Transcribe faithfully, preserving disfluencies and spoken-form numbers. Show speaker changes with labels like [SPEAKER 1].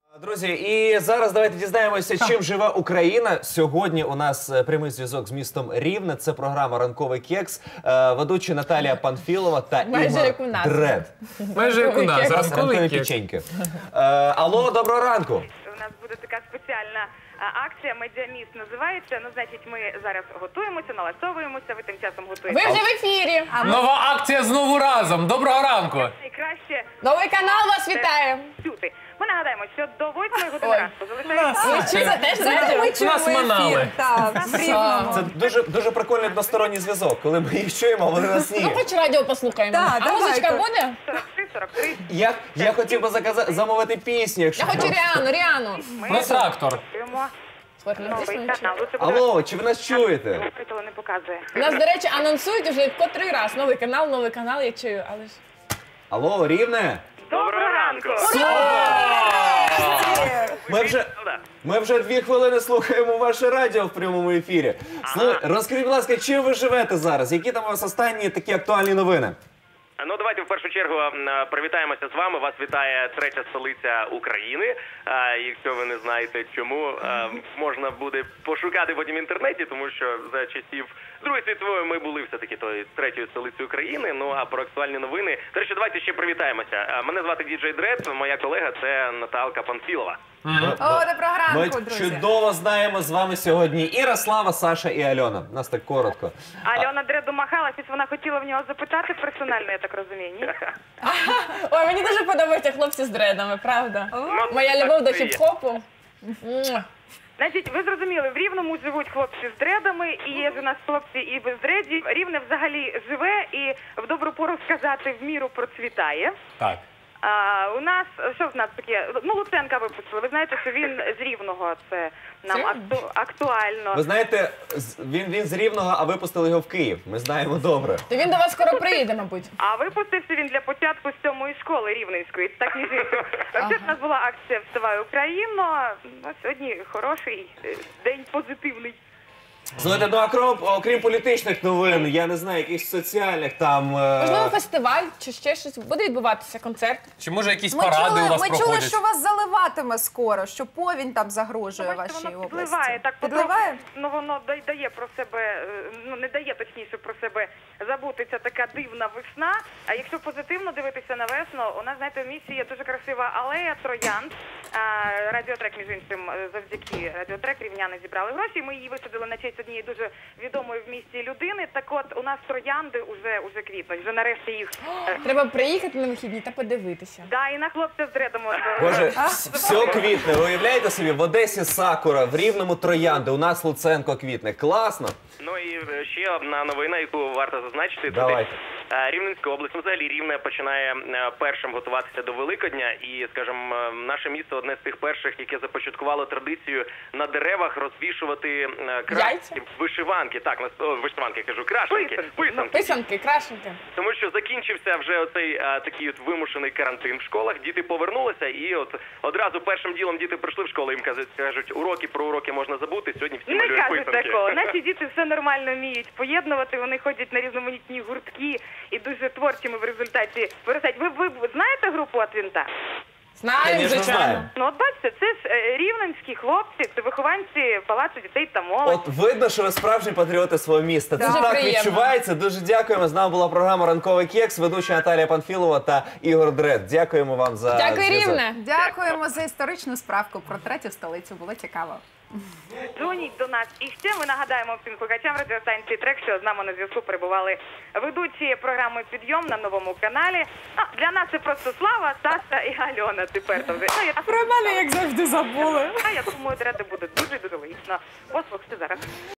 [SPEAKER 1] Друзі, і зараз давайте дізнаємося, чим живе Україна. Сьогодні у нас прямий зв'язок з містом Рівне. Це програма «Ранковий кекс». Ведучі Наталія Панфілова та Ігор Дред.
[SPEAKER 2] Майже як у нас.
[SPEAKER 1] Ранкові печеньки. Алло, доброго ранку.
[SPEAKER 3] У нас буде така спеціальна акція «Медіаміст» називається. Ну, значить, ми зараз готуємося, налаштовуємося, ви тим часом готуєтеся.
[SPEAKER 4] Ви вже в ефірі.
[SPEAKER 2] Нова акція «Знову разом». Доброго ранку.
[SPEAKER 3] Найкраще
[SPEAKER 4] Новий канал вас вітає.
[SPEAKER 3] чути. Ми нагадаємо, що до восьмої години ранку залишається...
[SPEAKER 4] Ви це теж знаєте?
[SPEAKER 2] Нас манали.
[SPEAKER 1] Це дуже, дуже прикольний односторонній зв'язок, коли ми їх чуємо, а вони нас ні.
[SPEAKER 4] Ну, хоч радіо послухаємо.
[SPEAKER 5] Так,
[SPEAKER 4] А музичка буде?
[SPEAKER 3] сорок три сорок три.
[SPEAKER 1] Я, я хотів би заказати, замовити пісню, якщо...
[SPEAKER 4] Я хочу Ріану, Ріану.
[SPEAKER 2] Про трактор.
[SPEAKER 3] Готуємо
[SPEAKER 4] Слухайте, ну,
[SPEAKER 3] новий
[SPEAKER 4] дійсно
[SPEAKER 3] канал.
[SPEAKER 4] нічого.
[SPEAKER 3] Це буде...
[SPEAKER 1] Алло, чи ви нас чуєте?
[SPEAKER 3] Світло не показує.
[SPEAKER 4] У нас, до речі, анонсують уже котрий раз. Новий канал, новий канал, я чую, але ж...
[SPEAKER 1] Алло, Рівне?
[SPEAKER 3] Доброго ранку!
[SPEAKER 1] Ми вже, ми вже дві хвилини слухаємо ваше радіо в прямому ефірі. Слухай, розкажіть, будь ласка, чим ви живете зараз? Які там у вас останні такі актуальні новини?
[SPEAKER 6] Ну, давайте в першу чергу привітаємося з вами. Вас вітає третя столиця України. Якщо ви не знаєте чому, можна буде пошукати потім в інтернеті, тому що за часів Другої світової ми були все-таки тою третьою столицею України. Ну, а про актуальні новини... До речі, давайте ще привітаємося. Мене звати Діджей Дред, моя колега – це Наталка Панфілова.
[SPEAKER 5] О, доброго
[SPEAKER 1] Ми
[SPEAKER 5] ранку, друзі.
[SPEAKER 1] чудово знаємо з вами сьогодні Іра, Слава, Саша і Альона. Нас так коротко.
[SPEAKER 3] Альона Дреду махала, щось вона хотіла в нього запитати персонально, я так розумію, ні?
[SPEAKER 4] Ой, мені дуже подобаються хлопці з дредами, правда?
[SPEAKER 6] Ну,
[SPEAKER 4] Моя
[SPEAKER 6] так
[SPEAKER 4] любов до
[SPEAKER 6] це є.
[SPEAKER 4] хіп-хопу. Муа.
[SPEAKER 3] Значить, ви зрозуміли, в Рівному живуть хлопці з дредами, і є ж у нас хлопці і без дредів. Рівне взагалі живе і в добру пору сказати в міру процвітає.
[SPEAKER 2] Так.
[SPEAKER 3] А, у нас, що в нас таке? Ну, Луценка випустили. Ви знаєте, що він з Рівного, це нам
[SPEAKER 4] Серйозно?
[SPEAKER 3] акту, актуально.
[SPEAKER 1] Ви знаєте, з- він, він з Рівного, а випустили його в Київ. Ми знаємо добре.
[SPEAKER 4] То він до вас скоро приїде, мабуть.
[SPEAKER 3] А випустився він для початку з сьомої школи Рівненської. Так ніж іншим. Ще в нас була акція «Вставай Україно». Ну, сьогодні хороший е, день, позитивний.
[SPEAKER 1] Слухайте, ну а крім, окрім політичних новин, я не знаю, якихось соціальних там... е,
[SPEAKER 4] Можливо, фестиваль чи ще щось. Буде відбуватися концерт.
[SPEAKER 2] Чи може якісь
[SPEAKER 5] Ми
[SPEAKER 2] паради
[SPEAKER 5] чули,
[SPEAKER 2] у вас
[SPEAKER 5] ми чули,
[SPEAKER 2] проходять?
[SPEAKER 5] що вас заливатиме скоро, що повінь там загрожує
[SPEAKER 3] Бачите,
[SPEAKER 5] вашій
[SPEAKER 3] воно
[SPEAKER 5] області.
[SPEAKER 3] підливає, так
[SPEAKER 5] Підливає?
[SPEAKER 3] потроху, ну воно да- дає про себе, е, ну не дає точніше про себе забутися така дивна весна. А якщо позитивно дивитися на весну, у нас, знаєте, в місті є дуже красива алея троянд. А, Радіотрек, між іншим, е, завдяки Радіотрек рівняни зібрали гроші. Ми її висадили на честь однієї дуже відомої в місті людини. Так от, у нас троянди уже, уже квітнуть, вже нарешті їх... е,
[SPEAKER 4] Треба приїхати на вихідні та подивитися.
[SPEAKER 3] Да, і на хлопця з дредом. от,
[SPEAKER 1] Боже,
[SPEAKER 3] е,
[SPEAKER 1] все квітне. Ви уявляєте собі, в Одесі сакура, в Рівному троянди, у нас Луценко квітне. Класно.
[SPEAKER 6] Ну і е, ще одна новина, яку варто зазначити.
[SPEAKER 1] Давай.
[SPEAKER 6] Туди, е, Рівненська область, ну, взагалі Рівне починає е, першим готуватися до Великодня. І, скажімо, е, наше місто одне з тих перших, яке започаткувало традицію на деревах розвішувати е,
[SPEAKER 4] Яйця?
[SPEAKER 6] крашенки, вишиванки. Так, на о, вишиванки, кажу, крашенки,
[SPEAKER 3] Писанки.
[SPEAKER 6] писанки.
[SPEAKER 4] Писанки, крашенки.
[SPEAKER 6] Тому що закінчився вже оцей а, такий от вимушений карантин в школах, діти повернулися, і от одразу першим ділом діти прийшли в школу, їм кажуть, кажуть, уроки про уроки можна забути, сьогодні всі
[SPEAKER 3] Не
[SPEAKER 6] малюють
[SPEAKER 3] кажуть
[SPEAKER 6] писанки.
[SPEAKER 3] такого. Наші діти все нормально вміють поєднувати, вони ходять на різноманітні гуртки і дуже творчими в результаті виростають. Ви, ви, ви знаєте групу «От винта»?
[SPEAKER 4] Знаємо,
[SPEAKER 1] Конечно,
[SPEAKER 4] звичайно.
[SPEAKER 1] знаємо.
[SPEAKER 3] Ну от бачите, це ж е, рівненські хлопці, це вихованці Палацу дітей та молоді.
[SPEAKER 1] От видно, що ви справжні патріоти свого міста. Це
[SPEAKER 4] Дуже
[SPEAKER 1] так
[SPEAKER 4] приємно.
[SPEAKER 1] відчувається. Дуже дякуємо. З нами була програма «Ранковий кекс», ведуча Наталія Панфілова та Ігор Дред. Дякуємо вам за
[SPEAKER 4] Дякую,
[SPEAKER 1] зв'язок.
[SPEAKER 4] Рівне.
[SPEAKER 5] Дякуємо за історичну справку про третю столицю. Було цікаво.
[SPEAKER 3] Дзвоніть до нас. І ще ми нагадаємо всім слухачам радіостанції «Трек», що з нами на зв'язку перебували ведучі програми «Підйом» на новому каналі. А, для нас це просто Слава, Саша і Альона тепер. То вже. Ну, я,
[SPEAKER 4] Про мене, як завжди, забули.
[SPEAKER 3] а я думаю, Дреди буде дуже-дуже логічно. Послухайте зараз.